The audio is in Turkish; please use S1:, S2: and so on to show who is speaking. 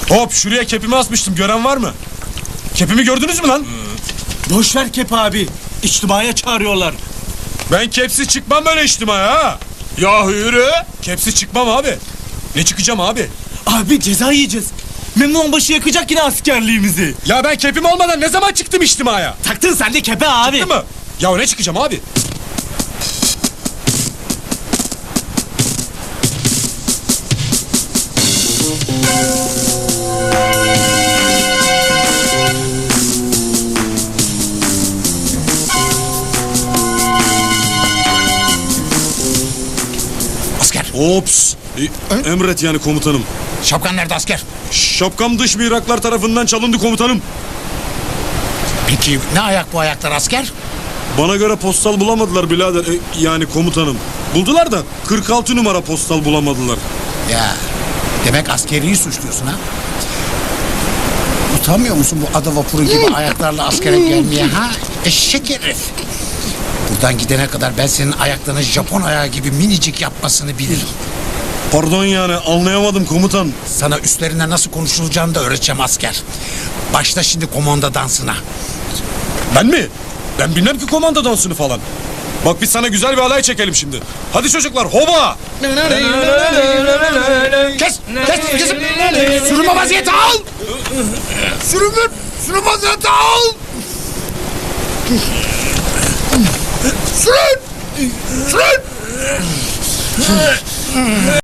S1: Hop, şuraya kepimi asmıştım, gören var mı? Kepimi gördünüz mü lan?
S2: Boş ver Kep abi. İçtimaya çağırıyorlar.
S1: Ben kepsiz çıkmam böyle içtimaya ha.
S3: Ya yürü.
S1: Kepsiz çıkmam abi. Ne çıkacağım abi?
S2: Abi ceza yiyeceğiz. Memnun onbaşı yakacak yine askerliğimizi.
S1: Ya ben kepim olmadan ne zaman çıktım içtimaya?
S2: Taktın sen de kepe abi.
S1: Değil mi? Ya ne çıkacağım abi?
S4: Asker.
S1: Ops. Emret yani komutanım.
S4: Şapkan nerede asker?
S1: Şapkam dış mihraklar tarafından çalındı komutanım.
S4: Peki ne ayak bu ayaklar asker?
S1: Bana göre postal bulamadılar birader. Yani komutanım. Buldular da 46 numara postal bulamadılar.
S4: Ya demek askeriyi suçluyorsun ha? Utanmıyor musun bu ada vapuru gibi ayaklarla askere gelmeye ha? Eşek herif. Buradan gidene kadar ben senin ayaklarını Japon ayağı gibi minicik yapmasını bilirim.
S1: Pardon yani anlayamadım komutan.
S4: Sana üstlerine nasıl konuşulacağını da öğreteceğim asker. Başla şimdi komanda dansına.
S1: Ben mi? Ben bilmem ki komando dansını falan. Bak biz sana güzel bir alay çekelim şimdi. Hadi çocuklar hoba!
S4: Kes! Kesim! Sürünme vaziyeti al! Sürünme vaziyeti al! Sürün! Sürün!